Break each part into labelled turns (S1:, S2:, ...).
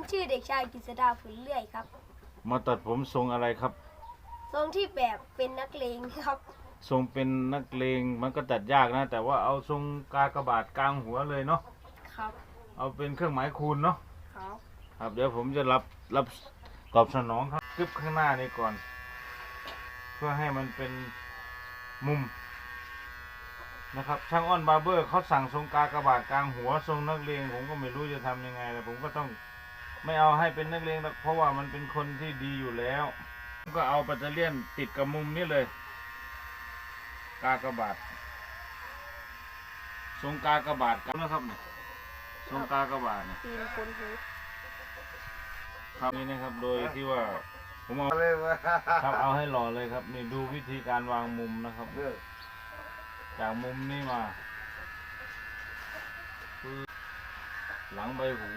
S1: ชื่อเด็กชายกฤษดาผลเลื่อยครับ
S2: มาตัดผมทรงอะไรครับ
S1: ทรงที่แบบเป็นนักเลงครับ
S2: ทรงเป็นนักเลงมันก็ตัดยากนะแต่ว่าเอาทรงกากบาทกลางหัวเลยเนาะ
S1: ครับ
S2: เอาเป็นเครื่องหมายคูณเนาะ
S1: ครับ
S2: ครับเดี๋ยวผมจะรับตอบสนองครับคลิปข้างหน้านี้ก่อนเพื่อให้มันเป็นมุมนะครับช่างอ้อนบาร์เบอร์เขาสั่งทรงกากบาทกลางหัวทรงนักเลงผมก็ไม่รู้จะทำยังไงแต่ผมก็ต้องไม่เอาให้เป็นนักเลงเพราะว่ามันเป็นคนที่ดีอยู่แล้วก็เอาปัตเตอร์เลียนติดกับมุมนี้เลยกากบาททรงกากบาทกันนะครับเนี่ยทรงกากบาทเนี่ย
S1: ตีนคนหู
S2: ครับนี่นะครับโดยที่ว่าผมเอาครับเอาให้หล่อเลยครับนี่ดูวิธีการวางมุมนะครับจากมุมนี้มาหลังใบหู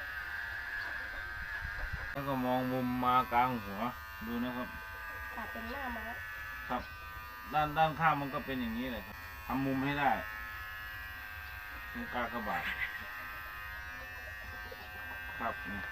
S2: แล้วก็มองมุมมากลางหัวดูนะครับ
S1: ตัดเป็นหน้าม้า
S2: ครับด้านข้างมันก็เป็นอย่างนี้เลยครับทำมุมให้ได้ตรงกากบาทครับนี่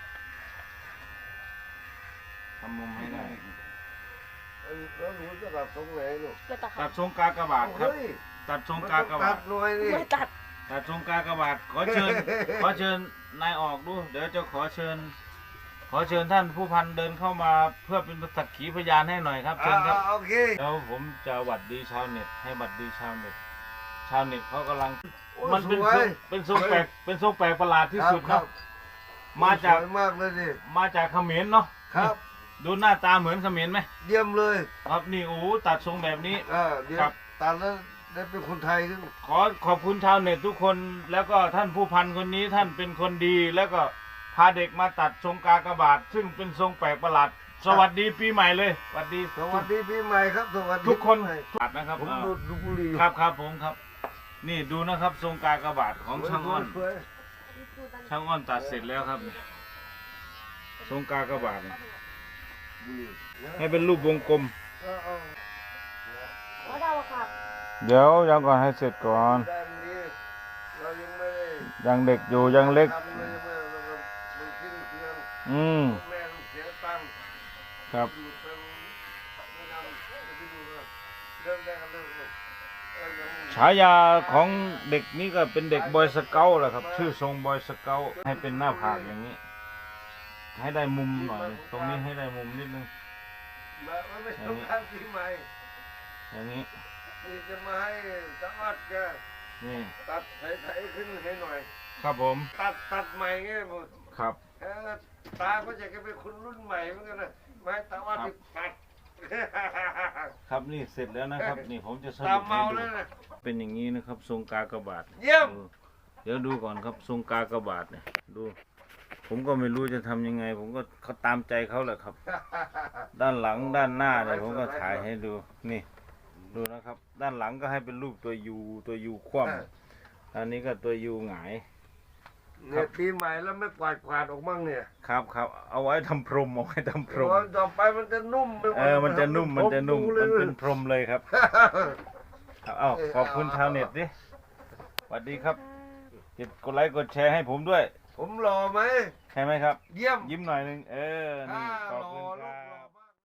S2: ทำมุมให้ได้
S3: แล้วหนูจะตัดทรงไหนลูก
S2: ตัดทรงกากบาทครับตัดทรงกากบาท
S1: ไม่ตัด
S2: ทรงกากบาทขอเชิญนายออกดูเดี๋ยวจะขอเชิญท่านผู้พันเดินเข้ามาเพื่อเป็นสักขีพยานให้หน่อยครับเชิญครับ
S3: โอเค
S2: แล้วผมจะหวัดดีชาวเน็ตให้หวัดดีชาวเน็ตเขากำลังมันเป็นทรงแปลกประหลาดที่สุดครับมาจากเขมรเนาะ
S3: ครับ
S2: ดูหน้าตาเหมือนเขมรไหม
S3: เยี่ยมเลย
S2: ครับนี่โอ้ตัดทรงแบบนี้
S3: ครับตัดแล้วได้เป็นคนไทยขึ้น
S2: ขอบคุณชาวเน็ตทุกคนแล้วก็ท่านผู้พันคนนี้ท่านเป็นคนดีแล้วก็พาเด็กมาตัดทรงกากบาทซึ่งเป็นทรงแปลกประหลาดสวัสดีปีใหม่เลยสวัสดี
S3: ปีใหม่ครับสวัสดี
S2: ทุกคนตัดนะครับ
S3: ผมดูบุรี
S2: ครับผมครับนี่ดูนะครับทรงกากบาทของช่างอ้อนตัดเสร็จแล้วครับทรงกากบาทให้เป็นรูปวงกลมเดี๋ยวยังก่อนให้เสร็จก่อนยังเด็กอยู่ยังเล็กครับฉายาของเด็กนี้ก็เป็นเด็กบอยสเกลแหละครับชื่อทรงบอยสเกลให้เป็นหน้าผากอย่างนี้ให้ได้มุมหน่อยตรงนี้ให้ได้มุมนิดนึงอย่างนี้
S3: จะมาให้จังหวัดแก
S2: นี่
S3: ตัดไถขึ้นให้หน่อย
S2: ครับผม
S3: ตัดใหม่ไงผม
S2: ครับ
S3: ตาก็จะเป็นคนรุ่นใหม่เหมือนกันนะไม่ตาว่าติดตัด
S2: ครับนี่เสร็จแล้วนะครับนี่ผมจะสรุปให้ดูเป็นอย่างนี้นะครับทรงกากบาท
S3: เยี่ยม
S2: เดี๋ยวดูก่อนครับทรงกากบาทเนี่ยดูผมก็ไม่รู้จะทำยังไงผมก็เขาตามใจเขาแหละครับด้านหลังด้านหน้าเนี่ยผมก็ถ่ายให้ดูนี่ดูนะครับด้านหลังก็ให้เป็นรูปตัวยูคว่ำอันนี้ก็ตัวยูหงาย
S3: เนี่ยปีใหม่แล้วไม่กวาดออกมั่งเนี่ย
S2: ครับเอาไว้ทำพรม
S3: ต่อไปมันจะนุ่ม
S2: มันจะนุ่มมันเป็นพรมเลยครับขอบคุณชาวเน็ตดิสวัสดีครับกดไลค์กดแชร์ให้ผมด้วย
S3: ผมหล่อไหม
S2: ใช่ไหมครับ
S3: เยี่ยม
S2: ยิ้มหน่อยนึงนี่ขอบคุณครับ